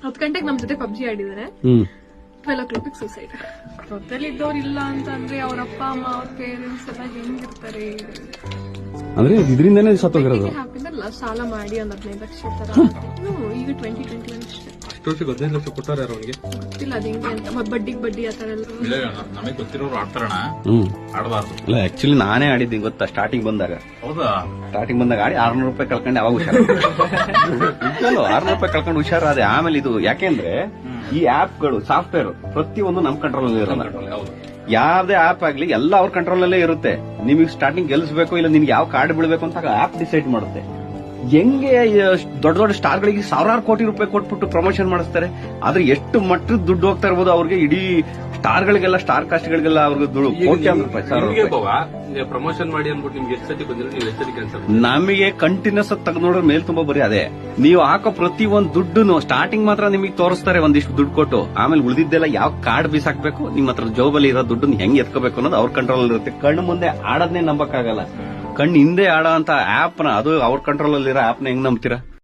10 ಗಂಟೆಗೆ ನಮ್ ಜೊತೆ ಪಬ್ಜಿ ಆಡಿದಾರೆ. 12 o'clock suicide. ಜೊತೆಲಿ ಇದ್ದವ್ರು ಇಲ್ಲ ಅಂತ ಅಂದ್ರೆ ಅವ್ರ ಅಪ್ಪ ಅಮ್ಮ ಅವ್ರ ಪೇರೆಂಟ್ಸ್ ಎಲ್ಲ ಹೆಂಗಿರ್ತಾರೆ ಅಂದ್ರೆ ಇದರಿಂದಾನೇ ಸತ್ತೋಗಿರೋದು. ಸಾಲ ಮಾಡಿ ಒಂದ್ 15 ಲಕ್ಷ ತರ. ಈಗ 2021 ಅಷ್ಟೇ. ಅಷ್ಟೊತ್ತಿಗೆ 15 ಲಕ್ಷ ಕೊಟ್ಟಾರೆ ಅವ್ರಿಗೆ ಗೊತ್ತಿಲ್ಲ ಅದ್ ಹೆಂಗೆ ಅಂತ. ಬಡ್ಡಿ ಆತರ ಎಲ್ಲ ನಮಗೆ ಗೊತ್ತಿರೋರು ಆಡ್ತಾರಣ ಆಡಬಾರ್ದು. ಅಲ್ಲ ಆಕ್ಚುಲಿ ನಾನೇ ಆಡಿದ್ದೀನಿ ಗೊತ್ತಾ ಸ್ಟಾರ್ಟಿಂಗ್ ಬಂದಾಗ. ಹೌದಾ? ಸ್ಟಾರ್ಟಿಂಗ್ ಬಂದಾಗ ಆಡಿ 600 ರೂಪಾಯಿ ಕಳ್ಕೊಂಡೆ. ಅವಾಗ ಹುಷಾರು 600 ರೂಪಾಯಿ ಕಳ್ಕೊಂಡು ಹುಷಾರಾದೆ. ಆಮೇಲೆ ಇದು ಯಾಕೆಂದ್ರೆ ಈ ಆಪ್ಗಳು ಸಾಫ್ಟ್ವೇರ್ ಪ್ರತಿಯೊಂದು ನಮ್ ಕಂಟ್ರೋಲ್ ಅಲ್ಲಿ ಇರೋಲ್ಲ. ಯಾವ್ದೇ ಆಪ್ ಆಗ್ಲಿ ಎಲ್ಲ ಅವ್ರ ಕಂಟ್ರೋಲ್ ಅಲ್ಲೇ ಇರುತ್ತೆ. ನಿಮಗೆ ಸ್ಟಾರ್ಟಿಂಗ್ ಗೆಲ್ಸ್ಬೇಕು ಇಲ್ಲ ನಿನ್ಗೆ ಯಾವ ಕಾರ್ಡ್ ಬೀಳ್ಬೇಕು ಅಂತ ಆಪ್ ಡಿಸೈಡ್ ಮಾಡುತ್ತೆ. ಹೆಂಗೆ ದೊಡ್ಡ ದೊಡ್ಡ ಸ್ಟಾರ್ ಗಳಿಗೆ 1000 ಕೋಟಿ ರೂಪಾಯಿ ಕೊಟ್ಬಿಟ್ಟು ಪ್ರಮೋಷನ್ ಮಾಡಿಸ್ತಾರೆ. ಆದ್ರೆ ಎಷ್ಟು ಮಟ್ಟದ ದುಡ್ಡು ಹೋಗ್ತಾ ಇರ್ಬೋದು ಅವ್ರಿಗೆ. ಇಡೀ ಸ್ಟಾರ್ ಗಳಿಗೆಲ್ಲ ಸ್ಟಾರ್ ಕಾಸ್ಟ್ ಗಳಿಗೆಲ್ಲ ಅವ್ರಿಗೆ ದುಡ್ಡು ಕೋಟ್ಯಾಂತರ ರೂಪಾಯಿ ಪ್ರಮೋಷನ್ ಮಾಡಿ ಅನ್ಬಿಟ್ಟು ನಿಮ್ಗೆ ಎಷ್ಟು ಸತಿ ಬಂದಿರೋ ನೀವು ಎಷ್ಟು ಸತಿ ಕ್ಯಾನ್ಸಲ್. ನಮಗೆ ಕಂಟಿನ್ಯೂಸ್ ತೆಗೆದು ನೋಡ್ರೆ ಮೇಲ್ ತುಂಬಾ ಬರೀ ಅದೇ. ನೀವು ಹಾಕೋ ಪ್ರತಿ ಒಂದ್ ದುಡ್ಡು ಸ್ಟಾರ್ಟಿಂಗ್ ಮಾತ್ರ ನಿಮಗೆ ತೋರಿಸ್ತಾರೆ ಒಂದಿಷ್ಟು ದುಡ್ಡು ಕೊಟ್ಟು. ಆಮೇಲೆ ಉಳಿದಿದ್ದೆಲ್ಲ ಯಾವ ಕಾರ್ಡ್ ಬೀಸಾಕ್ಬೇಕು, ನಿಮ್ಮ ಹತ್ರ ಜೋಬಲ್ಲಿ ಇರೋ ದುಡ್ಡು ಹೆಂಗ್ ಎತ್ಕೋಬೇಕು ಅನ್ನೋದು ಅವ್ರ ಕಂಟ್ರೋಲ್ ಇರುತ್ತೆ. ಕಣ್ಣು ಮುಂದೆ ಆಡೋದನ್ನೇ ನಂಬಕ್ಕಾಗಲ್ಲ. ಕಣ್ಣು ಹಿಂದೆ ಆಡೋ ಅಂತ ಆಪ್ ನ ಅದು ಅವ್ರ ಕಂಟ್ರೋಲ್ ಅಲ್ಲಿರೋ ಆಪ್ ನ ಹೆಂಗ್ ನಂಬ್ತೀರಾ?